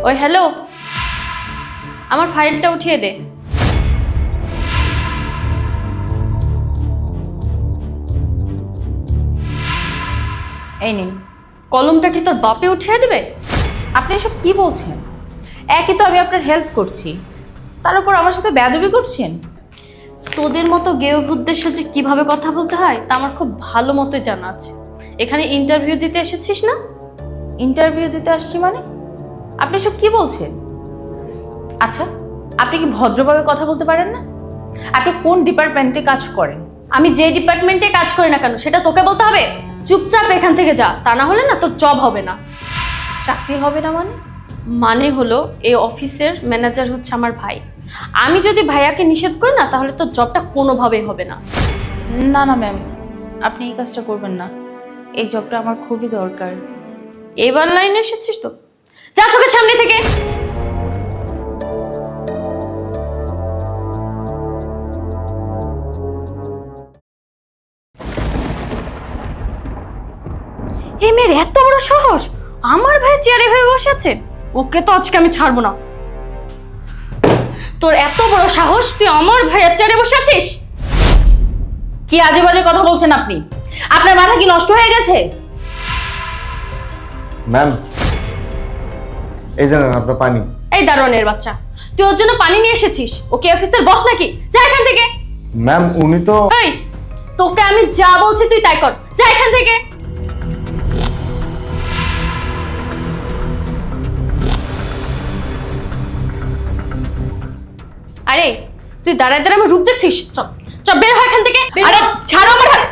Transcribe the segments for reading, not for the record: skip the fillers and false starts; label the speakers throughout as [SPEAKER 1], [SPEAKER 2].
[SPEAKER 1] ওই হ্যালো, আমার ফাইলটা উঠিয়ে দে। এই নিন, কলমটা কি তোর বাপে উঠিয়ে দিবে?
[SPEAKER 2] আপনি এসব কি বলছেন? একই তো আমি আপনার হেল্প করছি, তার উপর আমার সাথে বেয়াদবি করছেন।
[SPEAKER 1] তোদের মতো গেয়ভূতদের সাথে কিভাবে কথা বলতে হয় তা আমার খুব ভালো মতোই জানা আছে। এখানে ইন্টারভিউ দিতে এসেছিস না?
[SPEAKER 2] ইন্টারভিউ দিতে আসছি মানে? আপনি এসব কি বলছেন? আচ্ছা, আপনি কি ভদ্রভাবে কথা বলতে পারেন না? আপনি কোন ডিপার্টমেন্টে কাজ করেন?
[SPEAKER 1] আমি যে ডিপার্টমেন্টে কাজ করি না কেন সেটা তোকে বলতে হবে? চুপচাপ এখান থেকে যা, তা না হলে না তোর জব হবে না।
[SPEAKER 2] চাকরি হবে না মানে?
[SPEAKER 1] মানে হলো এই অফিসের ম্যানেজার হচ্ছে আমার ভাই। আমি যদি ভাইয়াকে নিষেধ করি না তাহলে তোর জবটা কোনোভাবেই হবে না।
[SPEAKER 2] না না ম্যাম, আপনি এই কাজটা করবেন না। এই জবটা আমার খুবই দরকার।
[SPEAKER 1] এবার লাইনে এসেছিস তো, যা চোখের সামনে থেকে। এই মেয়ের এত বড় সাহস, আমার ভাই চেয়ারে হয়ে বসে আছে। ওকে তো আজকে আমি ছাড়বো না। তোর এত বড় সাহস, তুই আমার ভাইয়ের চেয়ারে বসে আছিস?
[SPEAKER 2] কি আজে বাজে কথা বলছেন আপনি? আপনার মাথা কি নষ্ট হয়ে গেছে?
[SPEAKER 3] ম্যাম, এই জানেন আপনার পানি।
[SPEAKER 1] এই দারোয়ানের বাচ্চা, তুই ওর জন্য পানি নিয়ে এসেছিস? ওকে অফিসের বস নাকি? যা এখান থেকে।
[SPEAKER 3] ম্যাম উনি তো।
[SPEAKER 1] এই, তোকে আমি যা বলছি তুই তাই কর, যা এখান থেকে। আরে তুই দাঁড়ায় দাঁড়ায় আমার রূপ দেখছিস? চল চল, বের হ এখান থেকে।
[SPEAKER 2] আরে ছাড়ো আমার হাত।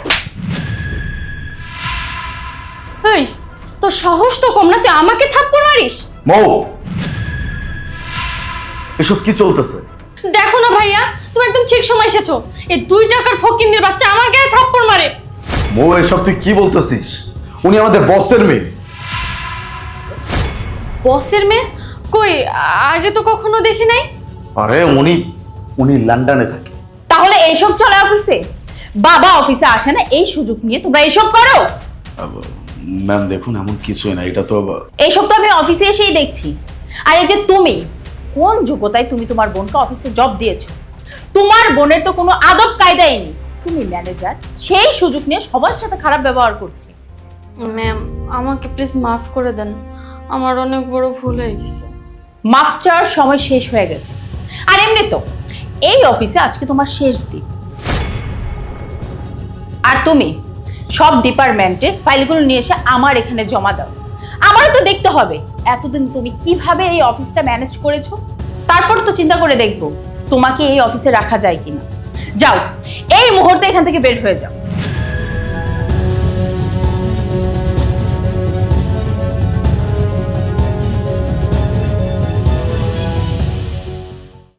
[SPEAKER 1] এই, তোর সাহস তো কম না, তুই আমাকে থাপ্পড় মারিস?
[SPEAKER 3] মৌ, এসব কি চলতেছে?
[SPEAKER 1] দেখো না ভাইয়া, তুমি একদম ঠিক সময় এসেছো। এই 2 টাকার ফকিন্নির বাচ্চা আমার গায়ে থাপ্পড় মারে।
[SPEAKER 3] মৌ, এসব তুই কি বলতেছিস? উনি আমাদের বসের মেয়ে।
[SPEAKER 1] বসের মেয়ে? কই, আগে তো কখনো দেখি নাই।
[SPEAKER 3] আরে উনি লন্ডনে থাকে।
[SPEAKER 2] তাহলে এইসব চলে অফিসে? বাবা অফিসে আসে না, এই সুযোগ নিয়ে তোমরা এইসব করো?
[SPEAKER 3] ম্যাম দেখুন, এমন কিছুই না, এটা তো।
[SPEAKER 2] এইসব তো আমি অফিসে এসেই দেখছি। আর এই যে তুমি, কোন যোগ্যতায় তুমি তোমার বোনকে অফিসে জব দিয়েছো? তোমার বোনের তো কোনো আদব কায়দাই নেই। তুমি ম্যানেজার, সেই সুযোগ নিয়ে সবার সাথে খারাপ ব্যবহার করছি।
[SPEAKER 1] ম্যাম, আমাকে প্লিজ মাফ করে দেন, আমার অনেক বড় ভুল হয়ে গেছে।
[SPEAKER 2] মাফ চাওয়ার সময় শেষ হয়ে গেছে। আর এমনি তো এই অফিসে আজকে তোমার শেষ দিন। আর তুমি সব ডিপার্টমেন্টের ফাইলগুলো নিয়ে এসে আমার এখানে জমা দাও। আমারও তো দেখতে হবে এতদিন তুমি কিভাবে এই অফিসটা ম্যানেজ করেছো। তারপর তো চিন্তা করে দেখবো তোমাকে এই অফিসে রাখা যায় কিনা। যাও, এই মুহূর্তে এখান থেকে বের হয়ে যাও।